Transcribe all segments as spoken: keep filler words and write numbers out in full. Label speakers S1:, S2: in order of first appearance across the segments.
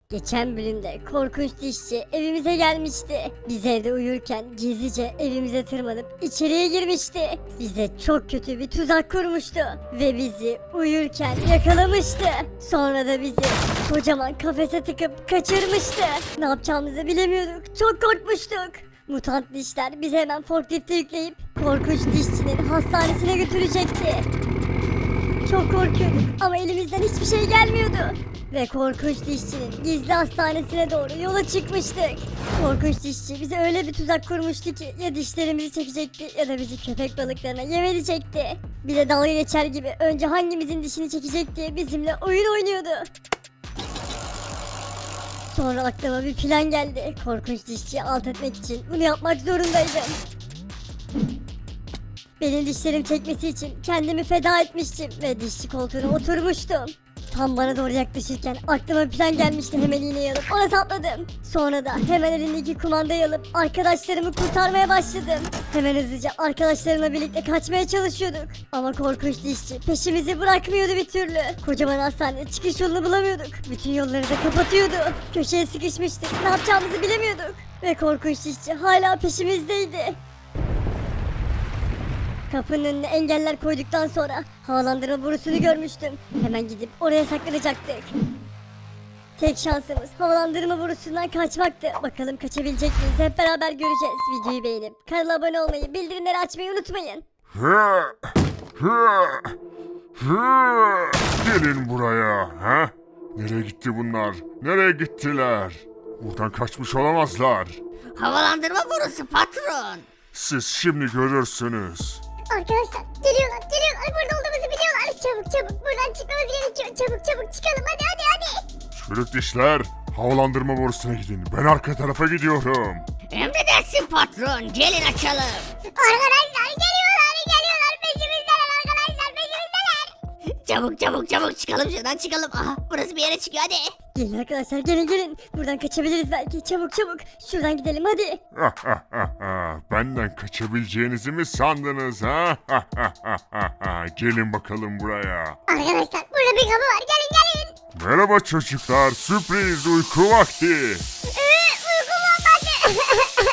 S1: Geçen bölümde korkunç dişçi evimize gelmişti. Biz evde uyurken gizlice evimize tırmanıp içeriye girmişti. Bize çok kötü bir tuzak kurmuştu. Ve bizi uyurken yakalamıştı. Sonra da bizi kocaman kafese tıkıp kaçırmıştı. Ne yapacağımızı bilemiyorduk. Çok korkmuştuk. Mutant dişler bizi hemen forklifte yükleyip korkunç dişçinin hastanesine götürecekti. Çok korkuyorduk ama elimizden hiçbir şey gelmiyordu. Ve korkunç dişçinin gizli hastanesine doğru yola çıkmıştık. Korkunç dişçi bize öyle bir tuzak kurmuştu ki ya dişlerimizi çekecekti ya da bizi köpek balıklarına yem edecekti. Bir de dalga geçer gibi önce hangimizin dişini çekecek diye bizimle oyun oynuyordu. Sonra aklıma bir plan geldi. Korkunç dişçiyi alt etmek için bunu yapmak zorundaydım. Benim dişlerim çekmesi için kendimi feda etmiştim ve dişçi koltuğuna oturmuştum. Tam bana doğru yaklaşırken aklıma bir plan gelmişti, hemen iğneyi alıp ona sapladım. Sonra da hemen elindeki kumandayı alıp arkadaşlarımı kurtarmaya başladım. Hemen hızlıca arkadaşlarımla birlikte kaçmaya çalışıyorduk. Ama korkunç dişçi peşimizi bırakmıyordu bir türlü. Kocaman hastane çıkış yolunu bulamıyorduk. Bütün yolları da kapatıyordu. Köşeye sıkışmıştık, ne yapacağımızı bilemiyorduk. Ve korkunç dişçi hala peşimizdeydi. Kapının önüne engeller koyduktan sonra havalandırma borusunu görmüştüm. Hemen gidip oraya saklanacaktık. Tek şansımız havalandırma borusundan kaçmaktı. Bakalım kaçabilecek miyiz, hep beraber göreceğiz. Videoyu beğenip kanala abone olmayı, bildirimleri açmayı unutmayın.
S2: Gelin buraya. Ha? Nereye gitti bunlar? Nereye gittiler? Buradan kaçmış olamazlar.
S3: Havalandırma borusu patron.
S2: Siz şimdi görürsünüz.
S4: Arkadaşlar geliyorlar geliyorlar, burada olduğumuzu biliyorlar. Çabuk çabuk buradan çıkmamız gerekiyor. Çabuk çabuk çıkalım, hadi hadi hadi.
S2: Çürük dişler, havalandırma borusuna gidin. Ben arka tarafa gidiyorum.
S3: Emredersin patron, gelin açalım.
S4: Arkadaşlar geliyorlar geliyorlar, peşimizdeler arkadaşlar, peşimizdeler.
S3: Çabuk çabuk çabuk çıkalım şuradan çıkalım. Aha, burası bir yere çıkıyor hadi.
S1: Gelin arkadaşlar, gelin gelin. Buradan kaçabiliriz belki. Çabuk çabuk. Şuradan gidelim hadi.
S2: Benden kaçabileceğinizi mi sandınız ha? Gelin bakalım buraya.
S4: Arkadaşlar burada bir kapı var, gelin gelin.
S2: Merhaba çocuklar, sürpriz uyku vakti.
S4: Ee, uykum olmadı.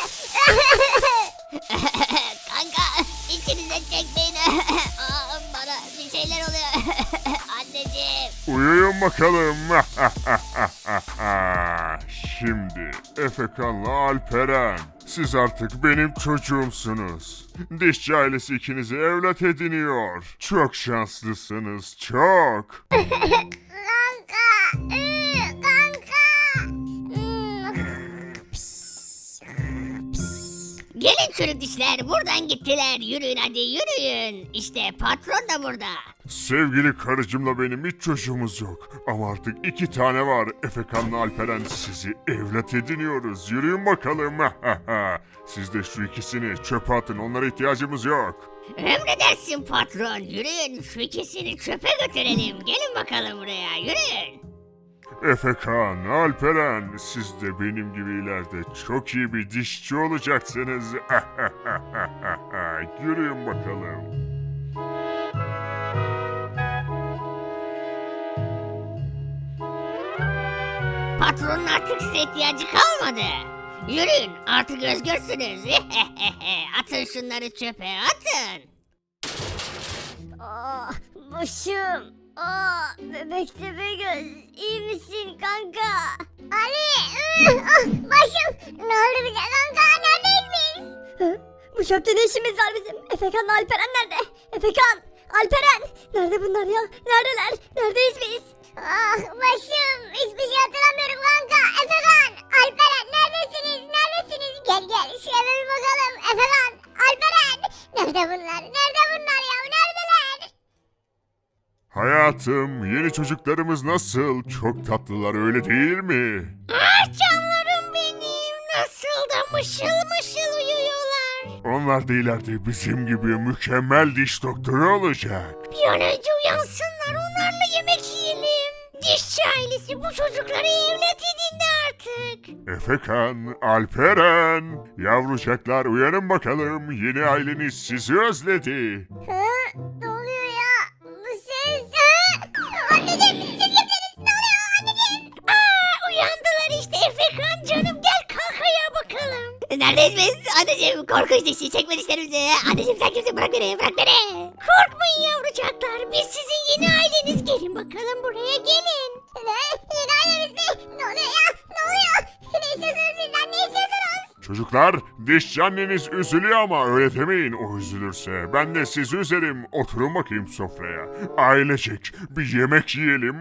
S3: Kanka içinize çekmeyin. Aa, bana bir şeyler oluyor. Anneciğim.
S2: Uyuyun bakalım. Şimdi Efekan'la Alperen, siz artık benim çocuğumsunuz. Dişçi ailesi ikinizi evlat ediniyor. Çok şanslısınız, çok.
S4: Kanka. Ee, kanka. Hmm.
S3: Gelin çürük dişler, buradan gittiler. Yürüyün hadi yürüyün. İşte patron da burada.
S2: Sevgili karıcımla benim hiç çocuğumuz yok. Ama artık iki tane var. Efekan'la Alperen, sizi evlat ediniyoruz. Yürüyün bakalım. Siz de şu ikisini çöpe atın. Onlara ihtiyacımız yok.
S3: Emredersin patron, yürüyün şu ikisini çöpe götürelim. Gelin bakalım buraya, yürüyün.
S2: Efekan, Alperen, siz de benim gibi ileride çok iyi bir dişçi olacaksınız. Yürüyün bakalım.
S3: Patronun artık size ihtiyacı kalmadı. Yürüyün, artık özgürsünüz. Atın şunları çöpe, atın.
S1: Aa, başım. Aa, bebek tepe göz. İyi misin kanka?
S4: Ali. ıı, ah, başım. Ne oldu bize kanka, neredeyiz biz?
S1: Hı? Bu çöpte ne işimiz var bizim? Efekan'la Alperen nerede? Efekan! Alperen! Nerede bunlar ya? Neredeler? Neredeyiz biz?
S4: Ah başım, hiçbir şey hatırlamıyorum kanka. Efekan, Alperen neredesiniz, neredesiniz? Gel gel şu eve bir bakalım. Efekan, Alperen. Nerede bunlar, nerede bunlar ya, neredeler?
S2: Hayatım, yeni çocuklarımız nasıl? Çok tatlılar, öyle değil mi?
S3: Ah canlarım benim, nasıl da mışıl mışıl uyuyorlar.
S2: Onlar da ileride bizim gibi mükemmel diş doktoru olacak.
S3: Bir an önce uyansınlar, onlarla yemek yiyelim. Dişçi ailesi bu çocukları evlat edindi artık.
S2: Efekan, Alperen, yavrucaklar uyanın bakalım. Yeni aileniz sizi özledi.
S4: Hı? Ne oluyor ya? Bu ses. Hı? Anneciğim, siz kimsiniz? Ne oluyor anneciğim?
S3: Aa, uyandılar. Neredeyiz biz? Anneciğim korkunç dişçi çekme dişlerimizi. Anneciğim sen kimsin? Bırak beni bırak beni. Korkmayın yavrucaklar. Biz sizin yeni aileniz. Gelin bakalım buraya gelin.
S4: Ne? Yeni ailemiz mi? Ne oluyor ya? Ne oluyor? Ne istiyorsunuz bizden? Ne istiyorsunuz?
S2: Çocuklar, dişçi anneniz üzülüyor ama öyle demeyin, o üzülürse. Ben de sizi üzerim. Oturun bakayım sofraya. Ailecek bir yemek yiyelim.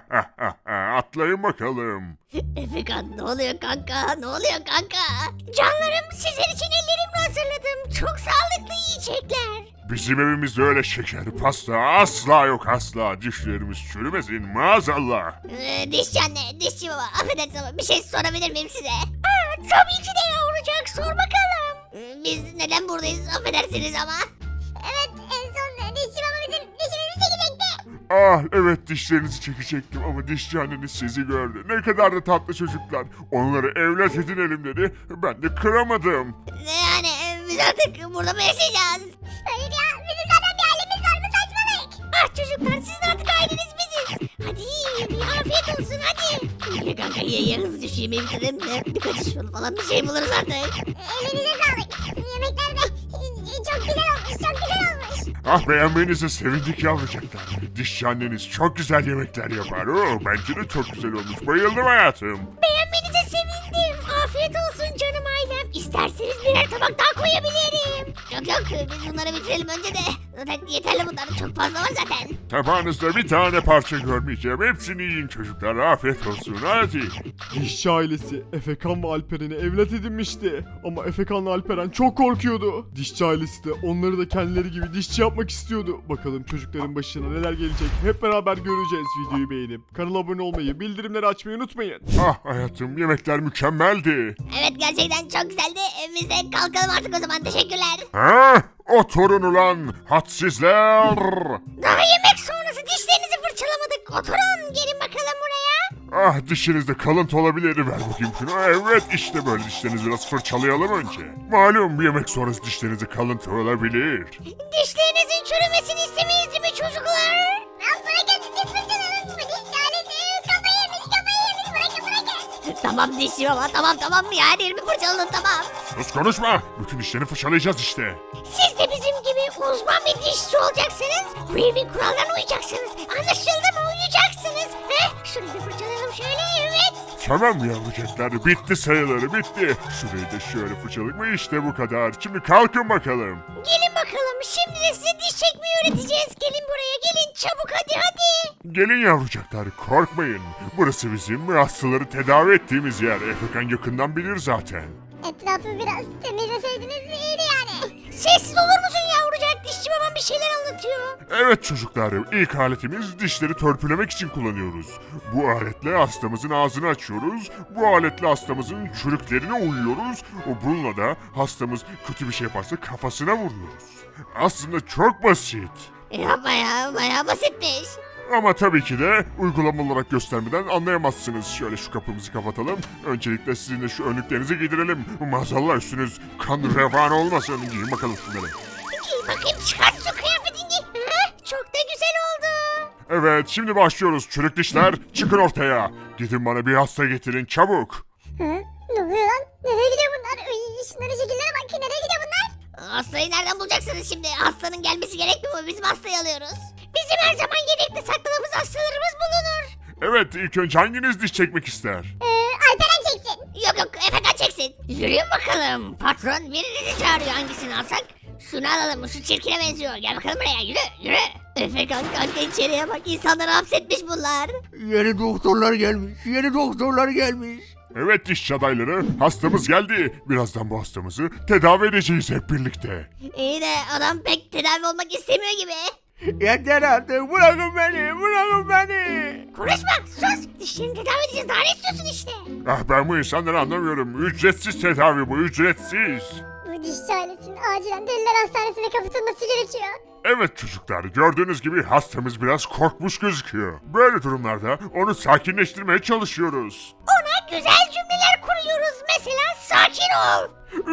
S2: Atlayın bakalım.
S3: Efekan ne oluyor kanka? Ne oluyor kanka? Canlarım sizin için ellerimle hazırladım. Çok sağlıklı yiyecekler.
S2: Bizim evimizde öyle şeker, pasta asla yok asla. Dişlerimiz çürümesin maazallah.
S3: Ee, dişçi anne, dişçi baba affedersin ama bir şey sorabilir miyim size? Aa, tabii ki de yavrucak sor bakalım. Ee, biz neden buradayız affedersiniz ama?
S4: Evet en son dişçi baba bizim dişimizi çekecekti.
S2: Ah evet, dişlerinizi çekecektim ama dişçi anneniz sizi gördü. Ne kadar da tatlı çocuklar. Onları evlat edinelim dedi. Ben de kıramadım.
S3: Ne yani e, biz artık burada mı yaşayacağız?
S4: Hayır ya bizim zaten bir ailemiz var, bu saçmalık.
S3: Ah çocuklar sizin artık aileniz biziz. Hadi yiyin bir afiyet olsun hadi. Ye kanka ye ye hızlıca şu yemeği bitirelim de birkaç iş yolu falan bir şey buluruz artık.
S4: Elinize sağlık. Yemekler de çok güzel olmuş, çok güzel olmuş.
S2: Ah beğenmenize sevindik yavrucaklar. Dişçi anneniz çok güzel yemekler yapar. Oo, bence de çok güzel olmuş. Bayıldım hayatım.
S3: Beğenmenize sevindim. Afiyet olsun canım ailem. İsterseniz birer tabak daha koyabilirim. Yok yok biz bunları bitirelim önce de. Zaten yeterli bunlar çok fazla var zaten.
S2: Tabağınızda bir tane parça görmeyeceğim. Hepsini yiyin çocuklar. Afiyet olsun. Hadi.
S5: Dişçi ailesi Efekan ve Alperen'i evlat edinmişti. Ama Efekan'la Alperen çok korkuyordu. Dişçi ailesi de onları da kendileri gibi dişçi yapmak istiyordu. Bakalım çocukların başına neler gelecek hep beraber göreceğiz. Videoyu beğenip kanala abone olmayı, bildirimleri açmayı unutmayın.
S2: Ah hayatım, yemekler mükemmeldi.
S3: Evet gerçekten çok güzeldi. Biz de kalkalım artık o zaman teşekkürler.
S2: Ha? Oturun ulan hadsizler.
S3: Daha yemek sonrası dişlerinizi fırçalamadık. Oturun gelin bakalım buraya.
S2: Ah dişinizde kalıntı olabilir. Ver bakayım şunu. Evet işte böyle, dişlerinizi biraz fırçalayalım önce. Malum bir yemek sonrası dişlerinizde kalıntı olabilir.
S3: Dişlerinizin çürümesini istemeyiz değil mi çocuklar?
S4: Lan bırakın diş fırçalarınız mı? Diş ailesi kafayı yemiş, kafayı yemiş. Bırakın bırakın.
S3: Tamam dişçi baba tamam tamam ya her yerimi fırçaladın tamam.
S2: Sus konuşma. Bütün dişlerini fırçalayacağız işte.
S3: Siz de bizim gibi uzman bir dişçi olacaksınız. Bu evin kurallarına uyacaksınız. Anlaşıldı mı? Uyacaksınız. Heh, şurayı da fırçalayalım şöyle evet.
S2: Tamam yavrucaklar, bitti sayıları bitti. Şurayı da şöyle fırçaladık mı işte bu kadar. Şimdi kalkın bakalım.
S3: Gelin bakalım şimdi de size diş çekmeyi öğreteceğiz. Gelin buraya gelin çabuk hadi hadi.
S2: Gelin yavrucaklar, korkmayın. Burası bizim hastaları tedavi ettiğimiz yer. Efekan yakından bilir zaten.
S4: Etrafı biraz temizleseydiniz iyiydi yani.
S3: Sessiz olur musun yavrucak? Dişçi babam bir şeyler anlatıyor.
S2: Evet çocuklar, ilk aletimiz dişleri törpülemek için kullanıyoruz. Bu aletle hastamızın ağzını açıyoruz. Bu aletle hastamızın çürüklerine uyuyoruz. O bununla da hastamız kötü bir şey yaparsa kafasına vuruyoruz. Aslında çok basit.
S3: Yapma ya bayağı basitmiş.
S2: Ama tabii ki de uygulama olarak göstermeden anlayamazsınız. Şöyle şu kapımızı kapatalım. Öncelikle sizin de şu önlüklerinizi giydirelim. Maazallah üstünüz kan revan olmasın. Giyin bakalım şunları.
S3: Giy bakayım çıkart şu kıyafetini. Ha, çok da güzel oldu.
S2: Evet şimdi başlıyoruz. Çürük dişler çıkın ortaya. Gidin bana bir hasta getirin çabuk.
S4: Hı? Ne oluyor lan? Nereye gidiyor bunlar? Uy, şunların şekillere bak. Nereye gidiyor bunlar?
S3: Hastayı nereden bulacaksınız şimdi? Hastanın gelmesi gerekmiyor mu? Bizim hastayı alıyoruz. Bizim her zaman yedekte sakladığımız hastalarımız bulunur.
S2: Evet ilk önce hanginiz diş çekmek ister?
S4: Ee, Alperen çeksin.
S3: Yok yok Efekan çeksin. Yürüyün bakalım. Patron birinizi çağırıyor hangisini alsak? Şunu alalım şu çirkine benziyor. Gel bakalım buraya yürü yürü. Efekan kanka içeriye bak insanları hapsetmiş bunlar.
S6: Yeni doktorlar gelmiş. Yeni doktorlar gelmiş.
S2: Evet dişçi adayları, hastamız geldi. Birazdan bu hastamızı tedavi edeceğiz hep birlikte.
S3: İyi de adam pek tedavi olmak istemiyor gibi.
S6: Yeter artık. Bırakın beni. Bırakın beni.
S3: Konuşma sus. Dişlerini tedavi edeceğiz daha ne istiyorsun işte.
S2: Ah ben bu insanları anlamıyorum. Ücretsiz tedavi bu, ücretsiz.
S4: Bu dişçi ailesinin acilen deliler hastanesine kapatılması gerekiyor.
S2: Evet çocuklar, gördüğünüz gibi hastamız biraz korkmuş gözüküyor. Böyle durumlarda onu sakinleştirmeye çalışıyoruz.
S3: Ona güzel cümleler kuruyoruz. Mesela sakin ol.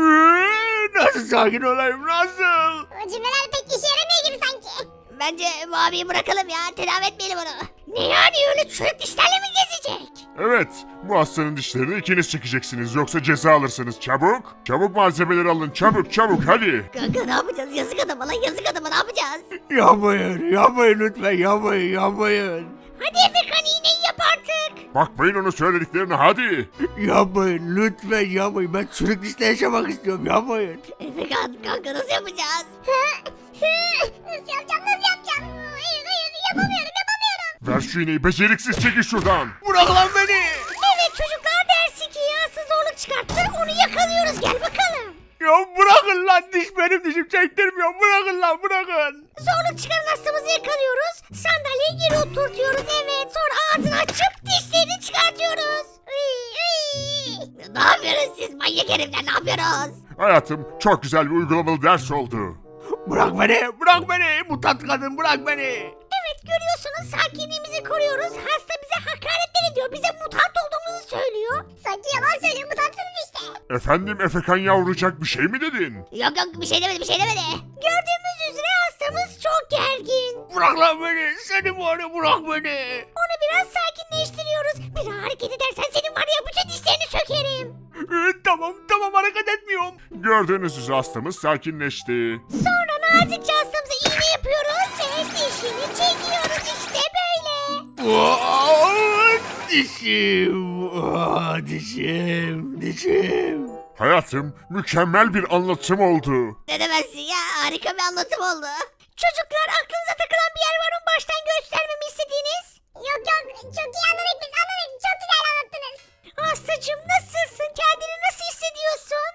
S6: Ee, Nasıl sakin olayım? Nasıl?
S4: O cümleler pek işe yaramıyor gibi sanki.
S3: Bence bu abiyi bırakalım ya. Tedavi etmeyelim onu. Ne yani öyle çürük dişlerle mi gezecek?
S2: Evet, bu hastanın dişlerini ikiniz çekeceksiniz yoksa ceza alırsınız. Çabuk, çabuk malzemeleri alın, çabuk çabuk hadi.
S3: Kanka ne yapacağız? Yazık adama lan, yazık adama, ne yapacağız?
S6: Yapmayın, yapmayın lütfen, yapmayın, yapmayın.
S3: Hadi Efekan, iğneyi yap artık.
S2: Bakmayın onun söylediklerine hadi.
S6: Yapmayın, lütfen yapmayın. Ben çürük dişle yaşamak istiyorum, yapmayın.
S3: Efekan kanka nasıl yapacağız?
S4: Nasıl yapacağım nasıl yapacağım? Hayır hayır yapamıyorum yapamıyorum.
S2: Ver şu iğneyi beceriksiz çekin şuradan.
S6: Bırak lan beni.
S3: Evet çocuklar, dersi ki yası zorluk çıkarttı, onu yakalıyoruz, gel bakalım.
S6: Ya bırakın lan, diş benim dişim, çektirmiyor. Bırakın lan, bırakın.
S3: Zorluk çıkaran hastamızı yakalıyoruz, sandalyeye geri oturtuyoruz, evet, sonra ağzını açıp dişlerini çıkartıyoruz. Iy, iy. Ne yapıyoruz siz manyak herifler, ne yapıyoruz?
S2: Hayatım, çok güzel bir uygulamalı ders oldu.
S6: Bırak beni, bırak beni. Mutant kadın, bırak beni.
S3: Evet görüyorsunuz, sakinliğimizi koruyoruz, hasta bize hakaretler ediyor, bize mutant olduğumuzu söylüyor.
S4: Sanki yalan söylüyor mutansınız işte.
S2: Efendim Efekan yavrucak bir şey mi dedin?
S3: Yok yok, bir şey demedi, bir şey demedi. Gördüğümüz üzere hastamız çok gergin.
S6: Bırak lan beni. Seni var ya, bırak beni.
S3: Onu biraz sakinleştiriyoruz. Bir daha hareket edersen senin var ya bütün dişlerini sökerim.
S6: Ee, tamam, tamam, hareket etmiyorum.
S2: Gördüğünüz üzere hastamız sakinleşti.
S3: Sonra nazikçe hastamıza iğne yapıyoruz ve dişini çekiyoruz, işte böyle.
S6: Aa, dişim. Aa, dişim, dişim.
S2: Hayatım, mükemmel bir anlatım oldu.
S3: Ne demezsin ya, harika bir anlatım oldu. Çocuklar, aklınıza takılan bir yer var mı baştan göstermemi istediğiniz?
S4: Yok yok çok iyi anladık biz anladık. Çok güzel anlattınız.
S3: Hastacığım nasılsın? Kendini nasıl hissediyorsun?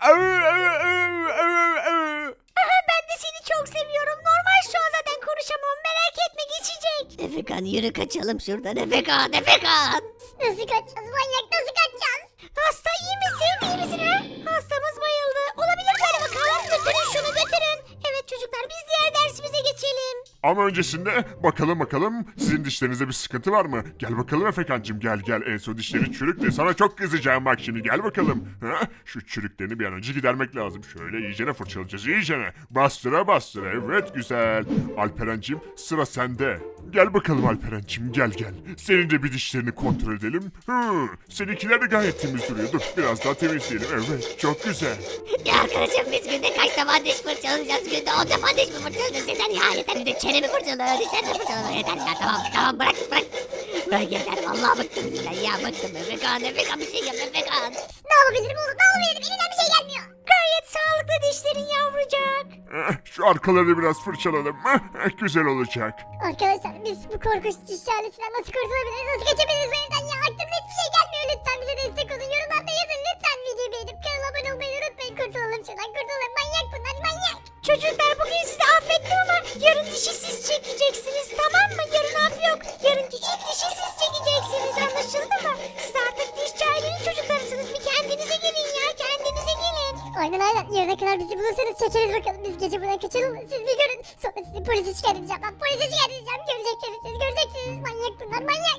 S3: Aha, ben de seni çok seviyorum. Normal şu an zaten konuşamam. Merak etme, geçecek. Efekan yürü kaçalım şuradan. Efekan, Efekan.
S4: Nasıl kaçacağız manyak nasıl kaçacağız?
S3: Hasta iyi misin? İyi misin ha? Hastamız bayıldı. Olabilir böyle, bakalım. Götürün şunu, götürün. Evet çocuklar, biz diğer dersimize geçelim.
S2: Ama öncesinde bakalım bakalım sizin dişlerinizde bir sıkıntı var mı? Gel bakalım Efekancığım, gel gel, en son dişlerin çürüktü. Sana çok kızacağım bak şimdi, gel bakalım. Ha? Şu çürüklerini bir an önce gidermek lazım. Şöyle iyicene fırçalayacağız, iyicene. Bastıra bastıra, evet güzel. Alperen'cim sıra sende. Gel bakalım Alperen'cim, gel gel. Senin de bir dişlerini kontrol edelim. Hı, seninkiler de gayet temiz duruyor. Dur biraz daha temizleyelim, evet çok güzel.
S3: Ya arkadaşım, biz günde kaç defa diş fırçalayacağız? Günde on defa diş mi fırçalayacağız? Yeter ya, yeter. Bir de çenemi fırçalıyor, dişlerimi fırçalıyor. Yeter ya, tamam tamam, bırak bırak. Bırak yeter, vallahi bıktım sizden ya, bıktım. Efekan, Efekan bir şey yap Efekan.
S4: Ne yapabilirim oğlum ne yapabilirim elimden bir şey gelmiyor.
S3: Gayet sağlıklı dişlerin yavrucak.
S2: Eh, Şu arkalarını biraz fırçalalım. Eh, Güzel olacak.
S4: Arkadaşlar biz bu korkunç diş ailesinden nasıl kurtulabiliriz nasıl kaçabiliriz bu evden ya aklımda hiçbir şey gelmiyor. Lütfen bize destek olun, yorumlarda yazın lütfen, videoyu beğenip kanala abone olmayı unutmayın. Kurtulalım şuradan, kurtulalım, manyak bunlar manyak.
S3: Çocuklar, bugün sizi affettim ama yarın dişi siz çekeceksiniz, tamam mı? Yarın af yok. Yarınki ilk dişi siz çekeceksiniz, anlaşıldı mı? Siz artık dişçi ailenin çocuklarısınız. Bir kendinize gelin ya, kendinize gelin.
S4: Aynen aynen yarına kadar bizi bulursanız çekeriz bakalım. Biz gece buradan kaçalım mı? Siz bir görün. Sonra sizi polise şikayet edeceğim. Ben polise şikayet edeceğim. Göreceksiniz siz göreceksiniz. Manyak bunlar manyak.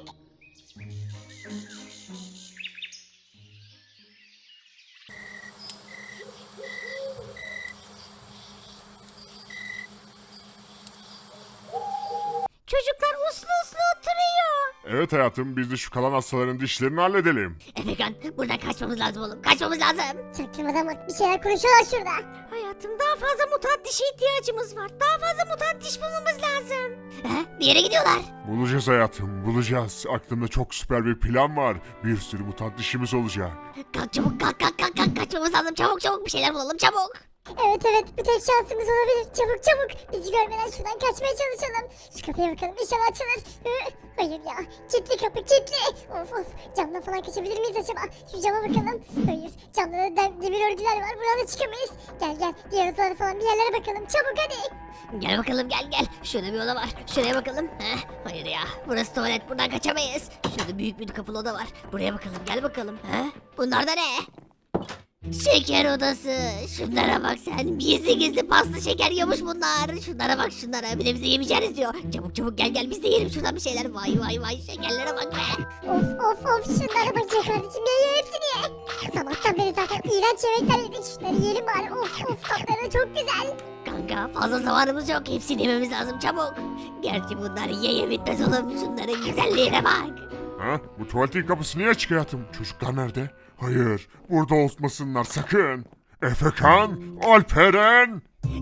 S3: Çocuklar uslu uslu oturuyor.
S2: Evet hayatım, biz de şu kalan hastaların dişlerini halledelim.
S3: Efekan, buradan kaçmamız lazım oğlum, kaçmamız lazım.
S4: Çaktırmadan bak bir şeyler konuşuyorlar şurada.
S3: Hayatım, daha fazla mutant dişe ihtiyacımız var. Daha fazla mutant diş bulmamız lazım. He? Bir yere gidiyorlar.
S2: Bulacağız hayatım, bulacağız. Aklımda çok süper bir plan var. Bir sürü mutant dişimiz olacak.
S3: Kalk çabuk, kalk kalk kalk kalk, kaçmamız lazım. Çabuk çabuk bir şeyler bulalım, çabuk.
S4: Evet evet bu tek şansımız olabilir. Çabuk çabuk. Bizi görmeden şuradan kaçmaya çalışalım. Şu kapıya bakalım inşallah açılır. Hı, hayır ya. Kilitli kapı kilitli. Of of. Camdan falan kaçabilir miyiz acaba? Şu cama bakalım. Hayır. Camda da dem- demir örgüler var. Buradan da çıkamayız. Gel gel. Diğer odalara falan bir yerlere bakalım. Çabuk hadi.
S3: Gel bakalım, gel gel. Şurada bir oda var. Şuraya bakalım. Heh, hayır ya. Burası tuvalet. Buradan kaçamayız. Şurada büyük bir kapılı oda var. Buraya bakalım. Gel bakalım. Heh, bunlar da ne? Şeker odası. Şunlara bak sen. Gizli gizli paslı şeker yiyormuş bunlar. Şunlara bak şunlara. Bir de bize yemeyeceğiz diyor. Çabuk çabuk gel gel, biz de yiyelim şuradan bir şeyler. Vay vay vay, şekerlere bak be.
S4: Of of of. Şunlara bak ya kardeşim. Ye ye hepsini ye. Sabahtan beri zaten iğrenç yemekler yedik. Şunları yiyelim bari. Of of. Tatları da çok güzel.
S3: Kanka fazla zamanımız yok. Hepsini yememiz lazım çabuk. Gerçi bunlar ye ye bitmez oğlum. Şunların güzelliğine bak.
S2: Ha? Bu tuvaletin kapısı niye açık hayatım? Çocuklar nerede? Hayır, burada olmasınlar sakın. Efekan, Alperen.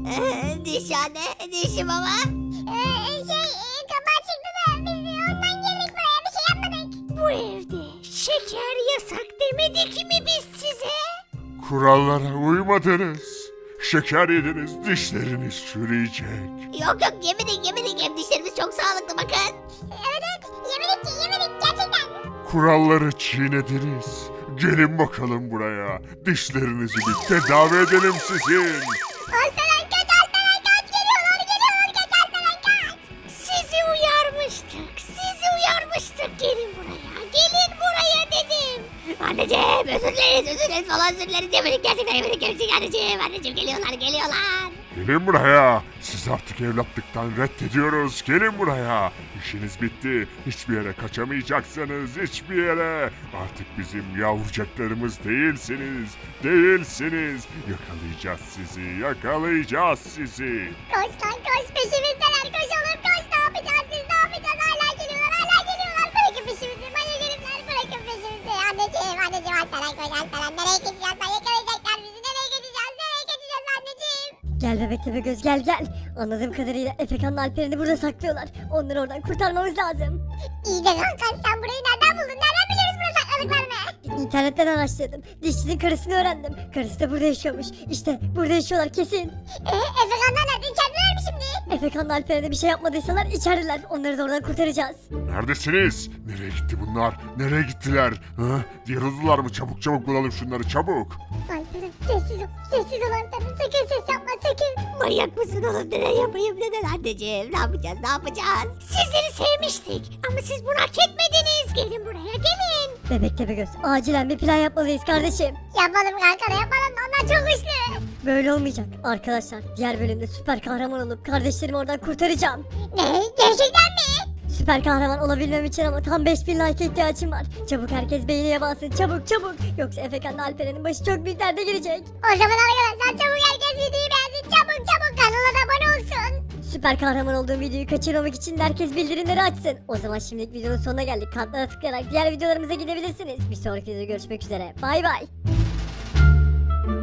S3: Ee, dişhane, dişi baba.
S4: Ee, şey e, kapağı çıktı da biz ondan girdik buraya bir şey yapmadık.
S3: Bu evde şeker yasak demedik mi biz size?
S2: Kurallara uymadınız. Şeker yediniz, dişleriniz çürüyecek.
S3: Yok yok yemedik yemedik hem dişlerimiz çok sağlıklı bakın.
S4: Evet evet yemedik ki yemedik gerçekten.
S2: Kuralları çiğnediniz. Gelin bakalım buraya. Dişlerinizi bir tedavi edelim sizin.
S4: Alperen kaç Alperen kaç geliyorlar geliyorlar kaç Alperen kaç.
S3: Sizi uyarmıştık sizi uyarmıştık gelin buraya gelin buraya dedim. Anneciğim özür dileriz özür dileriz falan özür dileriz yemedik gerçekten yemedik gerçekten anneciğim anneciğim geliyorlar geliyorlar.
S2: Gelin buraya. Siz artık evlatlıktan reddediyoruz. Gelin buraya. İşiniz bitti. Hiçbir yere kaçamayacaksınız. Hiçbir yere. Artık bizim yavrucaklarımız değilsiniz. Değilsiniz. Yakalayacağız sizi. Yakalayacağız sizi.
S4: Koş lan koş peşimizdeler koşalım koş ne yapacağız biz ne yapacağız hala geliyorlar hala geliyorlar bırakın peşimizi manyak herifler bırakın peşimizi. Anneciğim anneciğim Alperen koş Alperen nereye gideceğiz lan yakalayacaklar bizi nereye gideceğiz nereye gideceğiz anneciğim.
S1: Gel bebek tepe göz gel gel. Anladığım kadarıyla Efekan'la Alperen'i burada saklıyorlar. Onları oradan kurtarmamız lazım.
S4: İyi de kanka sen burayı nereden buldun nereden biliyoruz burada sakladıklarını.
S1: İnternetten araştırdım. Dişçinin karısını öğrendim. Karısı da burada yaşıyormuş. İşte burada yaşıyorlar kesin.
S4: Eee Efekanlar nerede içerideler mi şimdi?
S1: Efekan'la Alperen'e bir şey yapmadıysalar içerideler. Onları da oradan kurtaracağız.
S2: Neredesiniz? Nereye gitti bunlar? Nereye gittiler? Ha? Yarıldılar mı? Çabuk çabuk bulalım şunları çabuk.
S4: Alperen sessiz ol sessiz ol Alperen sakın ses yapma sakın.
S3: Manyak mısın oğlum neden yapayım neden anneciğim ne yapacağız ne yapacağız. Sizleri sevmiştik ama siz bunu hak etmediniz gelin buraya gelin.
S1: Bebek tepe göz acilen bir plan yapmalıyız kardeşim.
S4: Yapalım kanka da yapalım onlar çok güçlü.
S1: Böyle olmayacak. Arkadaşlar diğer bölümde süper kahraman olup kardeşlerimi oradan kurtaracağım.
S4: Ne gerçekten mi?
S1: Süper kahraman olabilmem için ama tam beş bin like ihtiyacım var. Çabuk herkes beğeniye bassın çabuk çabuk. Yoksa Efekan'la Alperen'in başı çok büyük derde girecek.
S4: O zaman arkadaşlar çabuk herkes videoyu beğensin çabuk çabuk kanala da abone olsun.
S1: Süper kahraman olduğum videoyu kaçırmamak için de herkes bildirimleri açsın. O zaman şimdilik videonun sonuna geldik. Kartlara tıklayarak diğer videolarımıza gidebilirsiniz. Bir sonraki videoda görüşmek üzere. Bay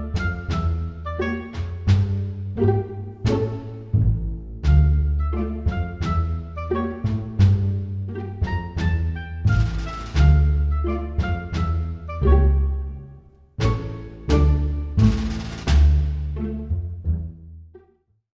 S1: bay.